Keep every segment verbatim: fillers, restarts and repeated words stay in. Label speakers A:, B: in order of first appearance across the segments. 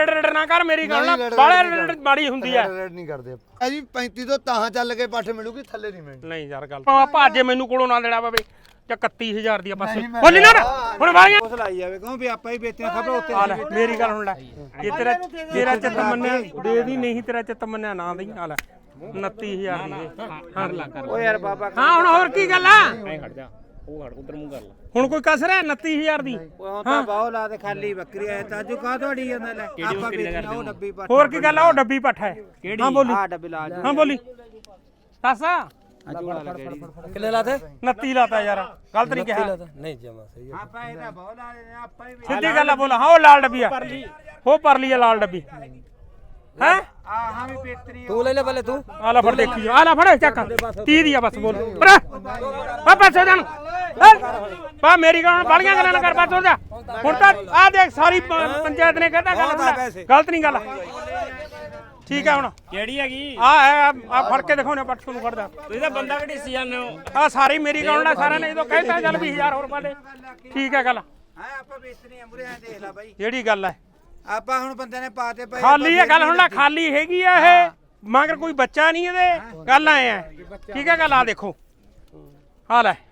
A: Raid ਨਾ ਕਰ ਮੇਰੀ ਗੱਲ ਨਾ ਬਾਲੇ ਮਾੜੀ ਹੁੰਦੀ ਐ
B: ਰੇਡ ਨਹੀਂ ਕਰਦੇ ਆ ਜੀ ਪੈਂਤੀ ਤੋਂ ਤਾਂ ਚੱਲ ਕੇ ਪੱਠ ਮਿਲੂਗੀ ਥੱਲੇ ਨਹੀਂ ਮਿਲਣੀ
A: ਨਹੀਂ ਯਾਰ ਗੱਲ ਭਾਜੇ ਮੈਨੂੰ ਕੋਲੋਂ ਨਾ ਦੇਣਾ ਪਵੇ ਜਾਂ ਇਕੱਤੀ ਹਜ਼ਾਰ ਦੀ ਬਸ ਬੋਲੀ ਨਾ ਹੁਣ ਵਾਲੀਆਂ
C: ਉਸ ਲਾਈ ਜਾਵੇ ਕਿਉਂ ਵੀ ਆਪਾਂ ਹੀ ਵੇਚਦੇ ਖਬਰ ਉੱਤੇ
A: ਆ ਲੈ ਮੇਰੀ ਗੱਲ ਹੁਣ ਲੈ ਜੇ ਤੇਰਾ ਤੇਰਾ ਚਿੱਤ ਮੰਨਿਆ ਦੇ ਦੀ ਨਹੀਂ ਤੇਰਾ ਚਿੱਤ ਮੰਨਿਆ ਨਾ ਦੇਈ ਆ ਲੈ ਉਨੱਤੀ ਹਜ਼ਾਰ ਦੀ ਹਾਂ
C: ਓ ਯਾਰ ਬਾਬਾ
A: ਹਾਂ ਹੁਣ ਹੋਰ ਕੀ ਗੱਲ ਆ
D: ਐ ਖੜ ਜਾ ਉਹ ਖੜ ਉਧਰ ਮੂੰਹ ਕਰ ਲੈ
A: ਹੁਣ ਕੋਈ ਕਸਰ ਹੈ ਉਨੱਤੀ ਹਜ਼ਾਰ ਦੀ
C: ਉਹ ਤਾਂ ਬਾਹੋ ਲਾ ਤੇ ਖਾਲੀ ਬੱਕਰੀ ਐ ਤਾਜੂ ਕਾ ਤੁਹਾਡੀ ਜਾਂਦਾ ਲੈ ਆਪਾਂ ਵੇਚਣਾ ਉਹ ਡੱਬੀ ਪੱਟ
A: ਹੋਰ ਕੀ ਗੱਲ ਆ ਉਹ ਡੱਬੀ ਪੱਠ ਹੈ ਹਾਂ ਬੋਲੀ
C: ਆ ਡੱਬੀ ਲਾ
A: ਹਾਂ ਬੋਲੀ ਦੱਸ
E: ਕਿੱਲੇ ਲਾਤੇ
A: ਉਨੱਤੀ ਲਾਤਾ ਯਾਰ ਗਲਤ ਨਹੀਂ ਕਿਹਾ
E: ਨਹੀਂ ਜਮਾ ਸਹੀ
C: ਆਪਾਂ ਇਹਦਾ ਬਾਹੋ ਲਾ ਲੈਨੇ ਆਪਾਂ ਹੀ
A: ਸਿੱਧੀ ਗੱਲ ਆ ਬੋਲ ਹਾਂ ਉਹ ਲਾਲ ਡੱਬੀ ਆ ਹੋ ਪਰਲੀ ਆ ਲਾਲ ਡੱਬੀ ਹੈ
C: ਆ ਹਾਂ ਵੀ ਪੇਤਰੀ
E: ਤੂੰ ਲੈ ਲੈ ਪਹਿਲੇ ਤੂੰ
A: ਆ ਲੈ ਫੜ ਦੇਖੀ ਆ ਲੈ ਫੜ ਚੱਕ ਤੀਹ ਦੀ ਆ ਬਸ ਬੋਲ ਪਰ ਆ ਪਾਸੇ ਜਾਣ ਬਾ ਮੇਰੀ ਗੱਲ ਬਾਲੀਆਂ ਗੱਲਾਂ ਨਾ ਕਰ ਬਸ ਹੋ ਜਾ ਹੁਣ ਤਾਂ ਆ ਦੇਖ ਸਾਰੀ ਪੰਚਾਇਤ ਨੇ ਕਹਿੰਦਾ ਗੱਲ ਗਲਤ ਨਹੀਂ ਗੱਲ ਠੀਕ ਹੈ ਹੁਣ
D: ਕਿਹੜੀ ਹੈਗੀ
A: ਆ ਆ ਫੜ ਕੇ ਦਿਖਾਉਣੇ ਪੱਟ ਨੂੰ ਫੜਦਾ
D: ਤੁਸੀਂ ਤਾਂ ਬੰਦਾ ਘੜੀਸੀ ਜਾਂਦੇ ਹੋ
A: ਆ ਸਾਰੀ ਮੇਰੀ ਗੱਲ ਨਾਲ ਸਾਰਿਆਂ ਨੇ ਜਦੋਂ ਕਹਿੰਦਾ ਚੱਲ ਵੀਹ ਹਜ਼ਾਰ ਹੋਰ ਪਾ ਦੇ ਠੀਕ ਹੈ ਗੱਲ
C: ਹਾਂ ਆਪਾਂ ਵੇਚਣੀ ਆ ਮੁਰੇ ਦੇਖ ਲੈ ਬਾਈ
A: ਜਿਹੜੀ ਗੱਲ ਹੈ
C: ਆਪਾਂ ਹੁਣ ਬੰਦੇ ਨੇ ਪਾਤੇ ਪਏ
A: ਖਾਲੀ ਹੈ ਗੱਲ ਹੁਣ ਨਾ ਖਾਲੀ ਹੈਗੀ ਆ ਇਹ ਮਗਰ ਕੋਈ ਬੱਚਾ ਨਹੀਂ ਇਹਦੇ ਗੱਲ ਆਏ ਆ ਠੀਕ ਹੈ ਗੱਲ ਆ ਦੇਖੋ ਆ ਲੈ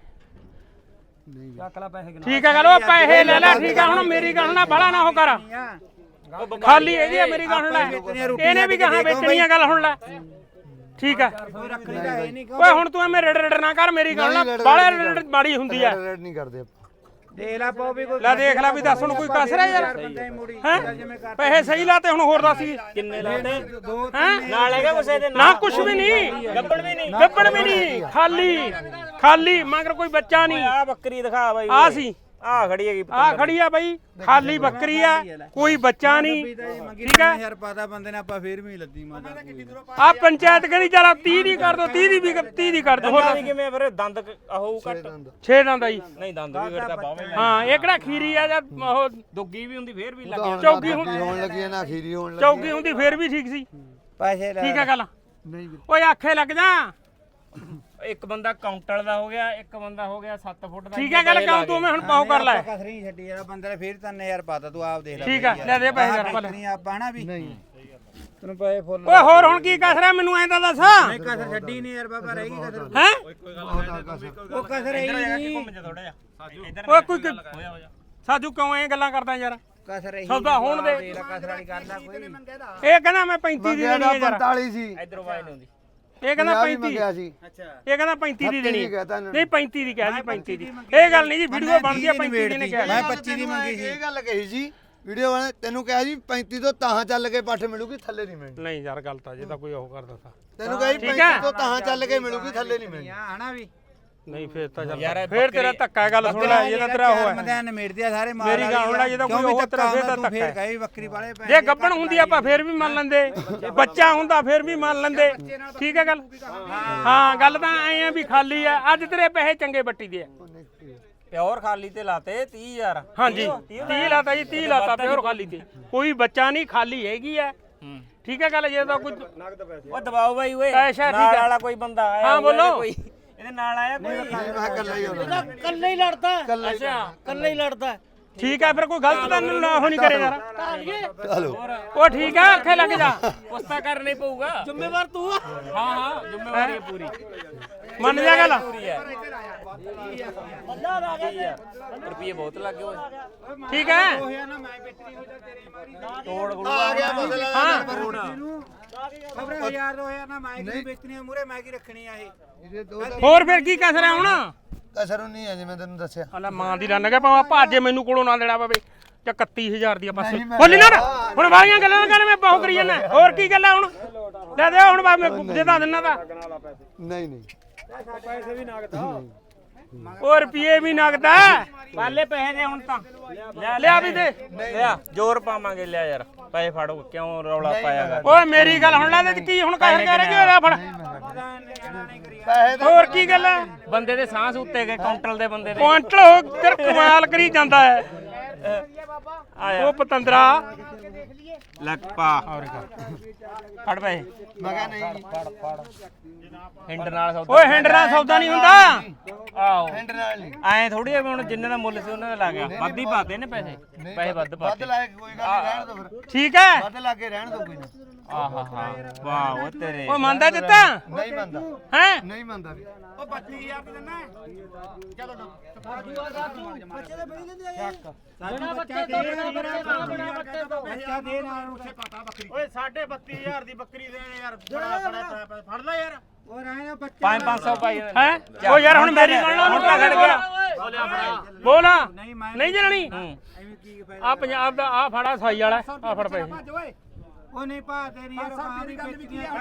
A: ਠੀਕ ਹੈ ਗੱਲ ਉਹ ਪੈਸੇ ਲੈ ਲੈ ਠੀਕ ਹੈ ਹੁਣ ਮੇਰੀ ਗੱਲ ਨਾ ਬੜਾ ਨਾ ਹੋ ਕਰ ਖਾਲੀ ਹੈਗੀ ਆ ਮੇਰੀ ਗੱਲ ਲੈ ਇਹਨੇ ਵੀ ਕਹਾ ਵੇਚਣੀ ਆ ਗੱਲ ਹੁਣ ਲੈ ਠੀਕ ਹੈ
C: ਰੱਖਣੀ ਤਾਂ ਹੈ ਨਹੀਂ
A: ਓਏ ਹੁਣ ਤੂੰ ਐਵੇਂ ਰੇਡ ਰੇਡ ਨਾ ਕਰ ਮੇਰੀ ਗੱਲ ਨਾ ਬਾਲੇ ਮਾੜੀ ਹੁੰਦੀ ਆ
B: ਰੇਡ ਨਹੀਂ ਕਰਦੇ
C: ਦੇਖ ਲੈ ਪਾਉ ਵੀ ਕੋਈ
A: ਲੈ ਦੇਖ ਲੈ ਵੀ ਦੱਸ ਹੁਣ ਕੋਈ ਕਸਰ ਹੈ ਯਾਰ
C: ਬੰਦਾ ਹੀ ਮੁੜੀ
A: ਹੈ ਪੈਸੇ ਸਹੀ ਲਾਤੇ ਹੁਣ ਹੋਰ ਦੱਸ
D: ਕਿੰਨੇ ਲਾਤੇ
C: ਦੋ
A: ਹੈ
D: ਨਾਲ ਹੈਗਾ ਕੁਛ ਦੇ
A: ਨਾ ਕੁਛ ਵੀ ਨਹੀਂ
D: ਗੱਬੜ ਵੀ ਨਹੀਂ
A: ਗੱਬੜ ਵੀ ਨਹੀਂ ਖਾਲੀ ਖਾਲੀ ਮਗਰ ਕੋਈ ਬੱਚਾ ਨਹੀਂ
D: ਆ ਬੱਕਰੀ ਦਿਖਾ ਬਾਈ
A: ਆ ਸੀ
D: ਆ ਖੜੀ ਹੈਗੀ
A: ਆ ਖੜੀ ਆ ਬਾਈ ਖਾਲੀ ਬੱਕਰੀ ਆ ਕੋਈ ਬੱਚਾ ਨਹੀਂ ਠੀਕ ਹੈ
C: ਯਾਰ ਪਾਤਾ ਬੰਦੇ ਨੇ ਆਪਾਂ ਫੇਰ ਵੀ ਲੱਦੀ ਮਾਤਾ
A: ਆ ਪੰਚਾਇਤ ਕਹਿੰਦੀ ਚਲ ਤੀਹ ਦੀ ਕਰ ਦੋ ਤੀਹ ਦੀ ਵੀ ਤੀਹ ਦੀ ਕਰ ਦੋ ਹੋਰ
D: ਵੀ ਕਿਵੇਂ ਫਿਰ ਦੰਦ ਆਹੋ ਘੱਟ
A: ਛੇ ਦੰਦ ਆ ਜੀ
D: ਨਹੀਂ ਦੰਦ ਵੀ ਫਿਰ ਤਾਂ ਬਾਵੇਂ
A: ਹਾਂ ਇਹ ਕਿਹੜਾ ਖੀਰੀ ਆ ਜਾਂ ਉਹ
D: ਦੁੱਗੀ ਵੀ ਹੁੰਦੀ ਫੇਰ ਵੀ ਲੱਗ
A: ਚੌਕੀ ਹੁਣ
B: ਹੋਣ ਲੱਗੀ ਨਾ ਖੀਰੀ ਹੋਣ ਲੱਗੀ
A: ਚੌਕੀ ਹੁੰਦੀ ਫੇਰ ਵੀ ਠੀਕ ਸੀ
C: ਪੈਸੇ ਲੈ
A: ਠੀਕ ਹੈ ਗੱਲ
B: ਨਹੀਂ
A: ਓਏ ਆਖੇ ਲੱਗ ਜਾ
D: ਇੱਕ ਬੰਦਾ ਕਾਊਂਟਰ ਦਾ ਹੋ ਗਿਆ ਇੱਕ ਬੰਦਾ ਹੋ ਗਿਆ ਸੱਤ ਫੁੱਟ ਦਾ
A: ਠੀਕ ਹੈ ਗੱਲ ਕਰ ਤੂੰ ਮੈਂ ਹੁਣ ਪਾਉ ਕਰ ਲੈ
C: ਕਸਰੀ ਛੱਡੀ ਯਾਰ ਬੰਦੇ ਨੇ ਫੇਰ ਤਿੰਨ ਹਜ਼ਾਰ ਪਾਤਾ ਤੂੰ ਆਪ ਦੇਖ ਲੈ
A: ਠੀਕ ਹੈ ਲੈ ਦੇ ਪੈਸੇ ਯਾਰ ਭਲੇ
C: ਨਹੀਂ ਆਪਾਂ ਨਾ ਵੀ ਨਹੀਂ ਤੈਨੂੰ ਪੈਸੇ ਫੁੱਲ
A: ਓਏ ਹੋਰ ਹੁਣ ਕੀ ਕਸ ਰਿਹਾ ਮੈਨੂੰ ਐਂ ਤਾਂ ਦੱਸ
C: ਨਹੀਂ ਕਸਰ ਛੱਡੀ ਨਹੀਂ ਯਾਰ ਬਾਬਾ ਰਹੇਗੀ ਕਸਰ
A: ਹੈ
C: ਉਹ ਕਸਰ ਰਹੀ ਨਹੀਂ
D: ਥੋੜਾ ਜਿਹਾ ਸਾਜੂ
A: ਓਏ ਕੋਈ ਸਾਜੂ ਕਿਉਂ ਐਂ ਗੱਲਾਂ ਕਰਦਾ ਯਾਰ
C: ਕਸਰ ਰਹੀ
A: ਸੌਦਾ ਹੋਣ ਦੇ
C: ਦੇਖ ਲੈ ਕਸਰ ਵਾਲੀ ਗੱਲ ਆ ਕੋਈ
A: ਇਹ ਕਹਿੰਦਾ ਮੈਂ ਪੈਂਤੀ ਦੀ ਦੇਣੀ ਹੈ ਯਾਰ
B: ਪੰਤਾਲੀ ਸੀ
D: ਇਧਰੋਂ ਵਾਈ ਨਹੀਂ ਹੁੰਦੀ
A: ਇਹ ਕਹਿੰਦਾ ਪੈਂਤੀ
B: ਮੰਗਿਆ ਸੀ
C: ਅੱਛਾ
A: ਇਹ ਕਹਿੰਦਾ ਪੈਂਤੀ ਦੀ ਦੇਣੀ
B: ਦੀ ਕਹਿਤਾ ਇਹਨਾਂ ਨੇ।
A: ਨਹੀਂ ਪੈਂਤੀ ਦੀ ਕਹਿ ਜੀ ਪੈਂਤੀ ਦੀ ਇਹ ਗੱਲ ਨਹੀਂ ਜੀ ਵੀਡੀਓ ਬਣਦੀ ਆ ਪੈਂਤੀ ਦੀ ਨੇ ਕਿਹਾ
C: ਮੈਂ ਪੱਚੀ ਦੀ ਮੰਗੀ ਸੀ
B: ਇਹ ਗੱਲ ਕਹੀ ਸੀ ਵੀਡੀਓ ਵਾਲੇ ਤੈਨੂੰ ਕਿਹਾ ਜੀ ਪੈਂਤੀ ਤੋਂ ਤਾਂ ਚੱਲ ਕੇ ਪੱਠ ਮਿਲੂਗੀ ਥੱਲੇ ਨਹੀਂ ਮਿਲਣੀ
A: ਨਹੀਂ ਯਾਰ ਗੱਲ ਤਾਂ ਜੇ ਤਾਂ ਕੋਈ ਉਹ ਕਰਦਾ ਤਾਂ
B: ਤੈਨੂੰ ਕਿਹਾ ਜੀ ਪੈਂਤੀ ਤੋਂ ਤਾਂ ਚੱਲ ਕੇ ਮਿਲੂਗੀ ਥੱਲੇ ਨਹੀਂ ਮਿਲਣੀ
C: ਹਨਾ ਵੀ
A: ਨਹੀਂ ਫੇਰ ਤਾਂ ਚੱਲ ਫੇਰ ਤੇਰਾ ਧੱਕਾ ਗੱਲ ਸੁਣ ਲੈ ਇਹਦਾ ਤੇਰਾ ਉਹ ਹੈ
C: ਮਦਿਆਂ ਨੇ ਮੇੜਦੇ ਆ ਸਾਰੇ ਮਾਰ
A: ਮੇਰੀ ਗੱਲ ਸੁਣ ਲੈ ਜੇ ਤਾਂ ਕੋਈ ਉਹ ਤੇਰਾ ਫੇਰ ਤਾਂ ਧੱਕਾ
C: ਫੇਰ
A: ਹੈ
C: ਕਹੇ ਬੱਕਰੀ ਵਾਲੇ ਪੈ
A: ਜੇ ਗੱਬਣ ਹੁੰਦੀ ਆਪਾਂ ਫੇਰ ਵੀ ਮੰਨ ਲੈਂਦੇ ਬੱਚਾ ਹੁੰਦਾ ਫੇਰ ਵੀ ਮੰਨ ਲੈਂਦੇ ਠੀਕ ਹੈ ਗੱਲ ਹਾਂ ਗੱਲ ਤਾਂ ਐ ਆ ਵੀ ਖਾਲੀ ਆ ਅੱਜ ਤੇਰੇ ਪੈਸੇ ਚੰਗੇ ਬੱਟੀ ਦੇ ਆ
D: ਪਿਓਰ ਖਾਲੀ ਤੇ ਲਾਤੇ ਤੀਹ ਹਜ਼ਾਰ
A: ਹਾਂਜੀ ਤੀਹ ਲਾਤਾ ਜੀ ਤੀਹ ਲਾਤਾ ਪਿਓਰ ਖਾਲੀ ਤੇ ਕੋਈ ਬੱਚਾ ਨਹੀਂ ਖਾਲੀ ਹੈਗੀ ਆ ਠੀਕ ਹੈ ਗੱਲ ਜੇ ਤਾਂ ਕੋਈ
D: ਉਹ ਦਬਾਓ ਬਾਈ ਓਏ
A: ਅੱਛਾ, ਠੀਕ
D: ਨਾਲ
A: ਹੈ।
D: ਵਾਲਾ ਕੋਈ ਬੰਦਾ ਆਇਆ
A: ਹਾਂ,
D: ਹੋਊਗਾ
A: ਬੋਲੋ।
D: ਕੋਈ ਇਹਦੇ ਨਾਲ ਆਇਆ ਕੋਈ
B: ਨਹੀਂ ਮੈਂ ਕੱਲਾ ਹੀ ਹੋਣਾ
E: ਕੱਲੇ ਹੀ ਲੜਦਾ
A: ਅੱਛਾ
E: ਕੱਲੇ ਹੀ ਲੜਦਾ
A: ਠੀਕ ਹੈ ਫਿਰ ਕੋਈ ਗਲਤ ਤਾਂ ਨਾ ਉਹ ਨਹੀਂ ਕਰੇ ਯਾਰ
B: ਹਲੋ
A: ਉਹ ਠੀਕ ਹੈ ਅੱਖੇ ਲੱਗ ਜਾ
D: ਕੁਸਤਾ ਕਰਨਾ ਹੀ ਪਊਗਾ
E: ਜ਼ਿੰਮੇਵਾਰ ਤੂੰ ਆ
D: ਹਾਂ ਹਾਂ ਜ਼ਿੰਮੇਵਾਰੀ ਹੈ ਪੂਰੀ
A: ਮੰਨ ਜਾ ਗੱਲ
D: ਪੂਰੀ ਹੈ ਰੁਪਏ ਬਹੁਤ ਲੱਗੇ ਓਏ
A: ਠੀਕ ਹੈ
C: ਹੋਇਆ ਨਾ ਮੈਂ ਬਿਕਰੀ ਹੋ ਜਾ ਤੇਰੀ ਮਾਰੀ
D: ਤੋੜ ਗੁਰੂ
B: ਆ ਗਿਆ ਬਦਲਾ
A: ਹਾਂ
C: ਖਬਰ ਹਜ਼ਾਰ ਦੋ ਹਜ਼ਾਰ ਨਾ ਮੈਂ ਕੀ ਵੇਚਣੀ ਆ ਮੂਰੇ ਮੈਂ ਕੀ ਰੱਖਣੀ ਆ ਇਹ
B: ਇਹਦੇ ਦੋ
A: ਹੋਰ ਫਿਰ ਕੀ ਕਸ ਰਿਹਾ ਹੁਣ
B: ਕਸਰ ਨਹੀਂ ਹੈ ਜਿਵੇਂ ਤੈਨੂੰ ਦੱਸਿਆ
A: ਹਲਾ ਮਾਂ ਦੀ ਲੰਨ ਗਿਆ ਭਾਵੇਂ ਭਾਜੇ ਮੈਨੂੰ ਕੋਲੋਂ ਨਾ ਦੇਣਾ ਪਵੇ ਜਾਂ ਇਕੱਤੀ ਹਜ਼ਾਰ ਦੀ ਬਸ ਬੋਲੀ ਨਾ ਹੁਣ ਵਾਲੀਆਂ ਗੱਲਾਂ ਨਾ ਕਰ ਮੈਂ ਬਹੁ ਕਰੀ ਜਾਂਦਾ ਹੋਰ ਕੀ ਗੱਲਾਂ ਹੁਣ ਲੈ ਦੇ ਹੁਣ ਮੈਂ ਦੇ ਦਾ ਦਿੰਨਾ ਤਾਂ
B: ਨਹੀਂ ਨਹੀਂ
C: ਪੈਸੇ ਵੀ ਨਗਦਾ
A: ਉਹ ਰੁਪਏ ਵੀ ਨਗਦਾ
D: ਪਾਲੇ ਪੈਸੇ ਦੇ ਹੁਣ ਤਾਂ
A: ਲਿਆ ਵੀ ਦੇ
D: ਲਿਆ ਜ਼ੋਰ ਪਾਵਾਂਗੇ ਲਿਆ ਯਾਰ ਪੈਸੇ ਫੜੋ ਕਿਉਂ ਰੌਲਾ ਪਾਇਆਗਾ
A: ਓਏ ਮੇਰੀ ਗੱਲ ਹੁਣ ਲੈ ਤੇ ਕੀ ਹੁਣ ਕਹਿ ਕਹਿ ਰਿਹਾ ਕਿ ਫੜ
B: ਪੈਸੇ
A: ਹੋਰ ਕੀ ਗੱਲ ਹੈ
D: ਬੰਦੇ ਦੇ ਸਾਹ ਉੱਤੇ ਗਏ ਕਾਊਂਟਰ ਦੇ ਬੰਦੇ ਦੇ
A: ਕੁਆਂਟਲ ਹੋ ਤੇਰ ਕਮਾਲ ਕਰੀ ਜਾਂਦਾ ਹੈ
D: ਆਇਆ
A: ਉਹ ਪਤੰਦਰਾ
D: ਲੈ ਪਾ ਫੜ ਪਏ
B: ਮੈਂ ਕਿਹਾ ਨਹੀਂ ਜੀ
D: ਹਿੰਡ ਨਾਲ ਸੌਦਾ
A: ਓਏ ਹਿੰਡ ਨਾਲ ਸੌਦਾ ਨਹੀਂ ਹੁੰਦਾ
D: ਆਹੋ
B: ਹੈਂਡ ਨਾਲ ਨਹੀਂ
D: ਐ ਥੋੜੀ ਆ ਵੀ ਹੁਣ ਜਿੰਨੇ ਦਾ ਮੁੱਲ ਸੀ ਉਹਨਾਂ ਦਾ ਲੱਗ ਗਿਆ ਵੱਧ ਹੀ ਪਾਤੇ ਨੇ ਪੈਸੇ ਪੈਸੇ ਵੱਧ
B: ਵੱਧ
D: ਪਾਤੇ
B: ਲਾਇਕ ਕੋਈ ਗੱਲ ਨਹੀਂ ਰਹਿਣ ਦੋ ਫਿਰ
A: ਠੀਕ ਹੈ
B: ਵੱਧ ਲਾ ਕੇ ਰਹਿਣ ਦੋ ਕੋਈ ਨਾ
D: ਆਹਾ ਹਾਂ ਵਾਹ ਉਹ ਤੇਰੇ
A: ਓਏ ਮੰਨਦਾ ਦਿੱਤਾ
B: ਨਹੀਂ ਮੰਨਦਾ
A: ਹੈ
B: ਨਹੀਂ ਮੰਨਦਾ ਵੀ
E: ਓਏ ਸਾਢੇ ਬੱਤੀ ਹਜ਼ਾਰ ਦੀ ਬੱਕਰੀ ਦੇਣ ਯਾਰ ਬੜਾ ਬੜਾ ਫੜ ਲੈ ਯਾਰ
C: ਉਹ ਰਹਿਣਾ ਬੱਚੇ
D: ਪੰਜ ਪੰਜ ਸੌ ਪਾਈ
A: ਹੈ ਓ ਯਾਰ ਹੁਣ ਮੇਰੀ ਗੱਲ ਨਾਲ ਹੁਣ ਤਾਂ ਖੜ ਗਿਆ ਬੋਲ ਨਹੀਂ ਜਣਣੀ
C: ਐਵੇਂ ਕੀ
A: ਆ ਪੰਜਾਬ ਦਾ ਆ ਫੜਾ ਸਾਈ ਵਾਲਾ ਆ ਫੜ ਪਏ
C: ਉਹ ਨਹੀਂ ਪਾ ਤੇਰੀ ਯਾਰ ਪਾ ਵੀ ਬੱਚੀਆਂ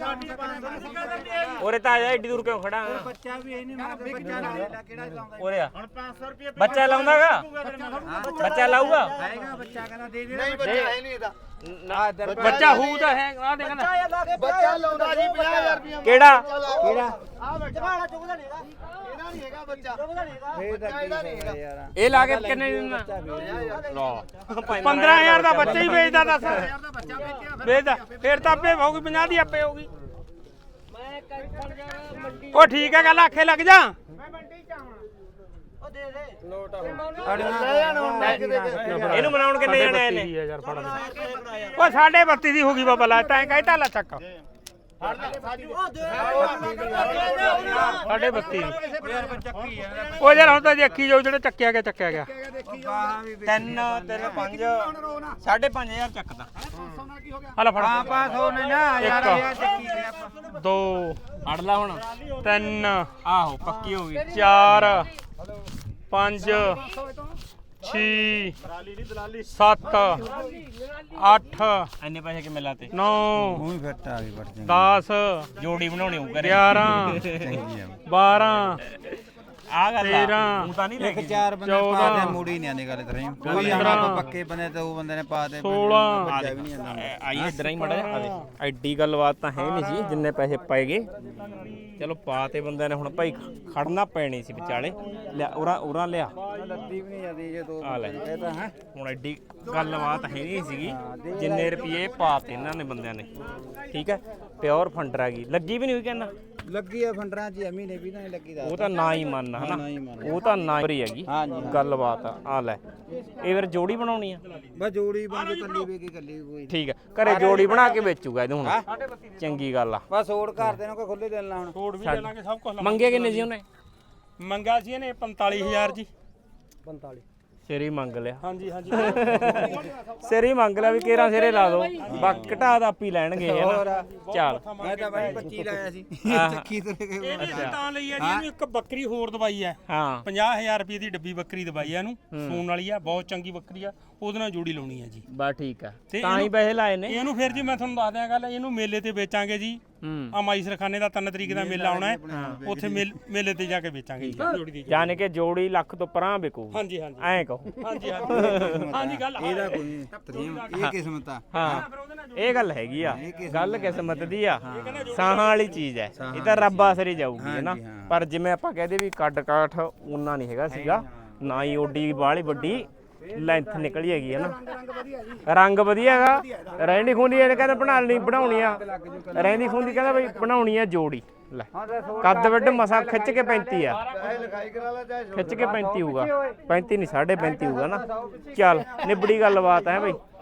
D: ਉਰੇ ਤਾਂ ਆ ਜਾ ਏਡੀ ਦੂਰ ਕਿਉਂ ਖੜਾ
C: ਬੱਚਾ ਵੀ ਇਹ ਨਹੀਂ ਮਾਰਦਾ ਬੱਚਾ ਲਾਉਂਦਾ ਕਿਹੜਾ ਲਾਉਂਦਾ
D: ਉਰੇ ਆ
E: ਹੁਣ ਪੰਜ ਸੌ ਰੁਪਏ
D: ਬੱਚਾ ਲਾਉਂਦਾਗਾ ਬੱਚਾ ਲਾਊਗਾ
C: ਆਏਗਾ ਬੱਚਾ ਕਹਿੰਦਾ ਦੇ ਦੇ
B: ਨਹੀਂ ਬੱਚਾ ਹੈ ਨਹੀਂ ਇਹਦਾ
A: ਬੱਚਾ ਹੂ ਤਾਂ ਹੈ ਆ ਦੇ ਕਹਿੰਦਾ
B: ਬੱਚਾ ਲਾਉਂਦਾ ਜੀ ਪੰਜਾਹ ਹਜ਼ਾਰ ਰੁਪਏ
D: ਕਿਹੜਾ
C: ਕਿਹੜਾ
B: ਆ ਬੱਚਾ ਚੁਗਦਾ ਨਹੀਂ ਇਹਦਾ ਇਹਦਾ ਨਹੀਂ ਹੈਗਾ ਬੱਚਾ
C: ਫੇਰ ਤਾਂ ਕੀ ਹੋਇਆ ਯਾਰ
D: ਇਹ ਲਾ ਕੇ ਕਿੰਨੇ ਦਿੰਦਾ ਲੋ
A: ਪੰਦਰਾਂ ਹਜ਼ਾਰ ਦਾ ਬੱਚਾ ਹੀ ਵੇਚਦਾ ਦੱਸ ਵੇਚਦਾ ਫੇਰ ਤਾਂ ਆਪੇ ਹੋਊਗੀ ਪੰਜਾਹ ਦੀ ਆਪੇ ਹੋਊਗੀ ਉਹ ਠੀਕ ਹੈ ਗੱਲ ਆਖੇ ਲੱਗ ਜਾ
D: ਇਹਨੂੰ ਮਨਾਉਣ ਕਿੰਨੇ ਜਣੇ ਆਏ ਨੇ
A: ਯਾਰ ਫੜ ਉਹ ਸਾਢੇ ਬੱਤੀ ਦੀ ਹੋ ਗਈ ਬਾਬਾ ਲਾ ਤੈਂ ਕਹਿਤਾ ਲੈ ਚੱਕ ਸਾਢੇ ਬੱਤੀ ਉਹ ਯਾਰ ਹੁਣ ਤਾਂ ਜੇ ਅੱਖੀ ਜੋ ਜਿਹੜਾ ਚੱਕਿਆ ਗਿਆ ਚੱਕਿਆ ਗਿਆ
D: ਤਿੰਨ ਤਿੰਨ ਪੰਜ ਸਾਢੇ ਪੰਜ ਹਜ਼ਾਰ ਚੱਕਦਾ
A: ਹਲਾ ਫੜ
C: ਹਾਂ ਪਾਸ ਹੋਣੇ ਨਾ ਯਾਰ
A: ਇੱਕ।
C: ਯਾਰ ਚੱਕੀ ਦੇ ਆਪਾਂ
A: ਦੋ
D: ਅੜ ਲਾ ਹੁਣ
A: ਤਿੰਨ
D: ਆਹੋ ਪੱਕੀ ਹੋ ਗਈ
A: ਚਾਰ ਪੰਜ ਛੇ ਸੱਤ ਅੱਠ
D: ਇੰਨੇ ਪੈਸੇ ਕਿਵੇਂ ਲਾਤੇ
A: ਨੌ
C: ਮੂੰਹ ਫਿੱਟ ਆ ਗਈ ਬੜ
A: ਦਸ
D: ਜੋੜੀ ਬਣਾਉਣੀ ਹੋਊ ਘਰੇ
A: ਗਿਆਰਾਂ ਬਾਰਾਂ
D: ਆ ਗੱਲ
A: ਤੇਰਾਂ,
D: ਤੂੰ ਤਾਂ ਨਹੀਂ ਲੈ
C: ਇੱਕ
D: ਕੇ
C: ਚਾਰ ਬੰਦੇ
A: ਚੌਦਾਂ,
C: ਪਾਦੇ ਮੂੜੀ ਨਹੀਂ ਆਂਦੀ ਗੱਲ ਤਰੀ ਕੋਈ ਆਪਾਂ ਪੱਕੇ ਬੰਦੇ ਤੇ ਉਹ ਬੰਦੇ ਨੇ ਪਾਦੇ
A: ਸੋਲਾਂ,
C: ਬੱਚਾ ਵੀ ਨਹੀਂ ਆਂਦਾ
D: ਆਈ ਇਧਰ ਹੀ ਮੜਾ ਐਡੀ ਗੱਲਬਾਤ ਤਾਂ ਹੈ ਨਹੀਂ ਸੀ ਜਿੰਨੇ ਪੈਸੇ ਪਾਏਗੇ ਚਲੋ ਪਾ ਤੇ ਬੰਦਿਆਂ ਨੇ ਹੁਣ ਭਾਈ ਖੜਨਾ ਪੈਣੀ ਸੀ ਵਿਚਾਲੇ ਲਿਆ ਉਰਾ ਉਰਾ ਲਿਆ
C: ਲੱਦੀ ਵੀ ਨਹੀਂ ਜਾਂਦੀ ਜੇ ਦੋ
D: ਆ ਲੈ
C: ਇਹ ਤਾਂ ਹੈ
D: ਹੁਣ ਐਡੀ ਗੱਲਬਾਤ ਹੈ ਨਹੀਂ ਸੀਗੀ ਜਿੰਨੇ ਰੁਪਏ ਪਾਤੇ ਇਹਨਾਂ ਨੇ ਬੰਦਿਆਂ ਨੇ ਠੀਕ ਹੈ ਪਿਓਰ ਫੰਡਰ ਆ ਗਈ ਲੱਗੀ ਵੀ ਨਹੀਂ ਹੋਈ ਕਹਿੰਦਾ
C: ਲੱਗੀ ਆ ਫੰਡਰਾਂ ਚ ਮਹੀਨੇ ਵੀ ਨਹੀਂ ਲੱਗੀ ਦਾ
D: ਉਹ ਤਾਂ ਨਾ ਹੀ ਮੰਨ ਹਨਾ
C: ਨਾ ਹੀ ਮੰਨ।
D: ਉਹ ਤਾਂ ਨਾ ਹੀ ਹੈਗੀ
C: ਹਾਂਜੀ
D: ਗੱਲਬਾਤ ਆ ਆ ਲੈ ਇਹ ਫਿਰ ਜੋੜੀ ਬਣਾਉਣੀ ਆ
C: ਬਸ ਜੋੜੀ ਬੰਦ ਕੱਲੀ ਵੇ ਕੇ ਕੱਲੀ ਕੋਈ
D: ਠੀਕ ਹੈ ਘਰੇ ਜੋੜੀ ਬਣਾ ਕੇ ਵੇਚੂਗਾ ਇਹਨੂੰ ਹੁਣ ਚੰਗੀ ਗੱਲ ਆ
C: ਬਸ ਹੋਰ ਕਰ ਦੇਣਾ ਕੋਈ ਖੁੱਲੇ ਦਿਲ ਨਾਲ ਹੁਣ
A: ਛੋੜ ਵੀ ਦੇਣਾਗੇ ਸਭ ਕੁਝ
D: ਮੰਗੇ ਕਿੰਨੇ ਸੀ ਉਹਨੇ
A: ਮੰਗਾ ਸੀ ਇਹਨੇ ਪੰਤਾਲੀ ਹਜ਼ਾਰ ਜੀ ਪੰਤਾਲੀ
D: ਸਿਰੇ ਮੰਗ ਲਿਆ
A: ਹਾਂਜੀ ਹਾਂਜੀ
D: ਸਿਰੇ ਮੰਗ ਲਿਆ ਵੀ ਕੇਰਾ ਸਿਰੇ ਲਾ ਦੋ ਬਾਕੀ ਘਟਾ ਦਾ ਆਪੀ ਲੈਣਗੇ ਇਹ ਨਾ ਚੱਲ
C: ਮੈਂ ਤਾਂ ਬਾਈ ਪੱਚੀ ਲਾਇਆ ਸੀ
D: ਆਹ।
C: ਚੱਕੀ ਤੇ ਗਏ
A: ਇਹ ਵੀ ਤਾਂ ਲਈ ਆ ਜੀ ਇਹਨੂੰ ਇੱਕ ਬੱਕਰੀ ਹੋਰ ਦਵਾਈ ਹੈ
D: ਹਾਂ
A: ਪੰਜਾਹ ਹਜ਼ਾਰ ਰੁਪਏ ਦੀ ਡੱਬੀ ਬੱਕਰੀ ਦਵਾਈ ਆ ਇਹਨੂੰ ਸੂਣ ਵਾਲੀ ਆ ਬਹੁਤ ਚੰਗੀ ਬੱਕਰੀ ਆ ਉਹਦੇ ਨਾਲ ਜੋੜੀ ਲਾਉਣੀ ਆ ਜੀ
D: ਬਸ ਠੀਕ ਆ
A: ਤੇ
D: ਤਾਂ ਹੀ ਪੈਸੇ ਲਾਏ ਨੇ
A: ਇਹਨੂੰ ਫਿਰ ਜੀ ਮੈਂ ਤੁਹਾਨੂੰ ਦੱਸ ਦਿਆਂ ਗੱਲ ਇਹਨੂੰ ਮੇਲੇ ਤੇ ਵੇਚਾਂਗੇ ਜੀ
D: ਹੂੰ
A: ਆ ਮਾਈ ਸਰਖਾਨੇ ਦਾ ਤਿੰਨ ਤਰੀਕ ਦਾ ਮੇਲਾ ਆਉਣਾ ਹੈ ਉੱਥੇ ਮੇਲ- ਮੇਲੇ ਤੇ ਜਾ ਕੇ ਵੇਚਾਂਗੇ ਜੀ ਜੋੜੀ ਦੀ
D: ਯਾਨੀ ਕਿ ਜੋੜੀ ਲੱਖ ਤੋਂ ਪਰਾਂ ਵਿਕੂ
A: ਹਾਂਜੀ ਹਾਂਜੀ
D: ਐਂ ਕਹੋ
A: ਹਾਂਜੀ ਹਾਂਜੀ ਹਾਂਜੀ ਗੱਲ
C: ਇਹਦਾ ਕੋਈ ਤਰੀਮ ਇਹ ਕਿਸਮਤ ਆ
D: ਹਾਂ ਇਹ ਗੱਲ ਹੈਗੀ ਆ ਗੱਲ ਕਿਸਮਤ ਦੀ ਆ ਸਾਹਾਂ ਵਾਲੀ ਚੀਜ਼ ਹੈ ਇਹ ਤਾਂ ਰੱਬ ਆਸਰੇ ਜਾਊਗੀ ਹੈ ਨਾ ਪਰ ਜਿਵੇਂ ਆਪਾਂ ਕਹਦੇ ਵੀ ਕੱਡ ਕਾਠ ਉਹਨਾਂ ਨਹੀਂ ਹੈਗਾ ਸੀਗਾ ਨਾ ਹੀ ਓਡੀ ਬਾਹਲੀ ਵੱਡੀ ਲੈਂਥ ਨਿਕਲੀ ਹੈਗੀ ਹੈ ਨਾ ਰੰਗ ਵਧੀਆ ਹੈਗਾ ਰਹਿੰਦੀ ਖੁੰਦੀ ਇਹਨੇ ਕਹਿੰਦਾ ਬਣਾ ਲਈ ਬਣਾਉਣੀ ਆ ਰਹਿੰਦੀ ਖੁੰਦੀ ਕਹਿੰਦਾ ਬਈ ਬਣਾਉਣੀ ਆ ਜੋੜੀ ਲੈ ਕੱਦ ਵੱਡ ਮਸਾ ਖਿੱਚ ਕੇ ਪੈਂਤੀ ਆ
B: ਚਾਹੇ ਲਿਖਾਈ ਕਰਾ ਲੈ ਚਾਹੇ
D: ਖਿੱਚ ਕੇ ਪੈਂਤੀ ਹੋਊਗਾ ਪੈਂਤੀ ਨਹੀਂ ਸਾਢੇ ਪੈਂਤੀ ਹੋਊਗਾ ਨਾ ਚੱਲ ਨਿਬੜੀ ਗੱਲਬਾਤ ਹੈ ਬਈ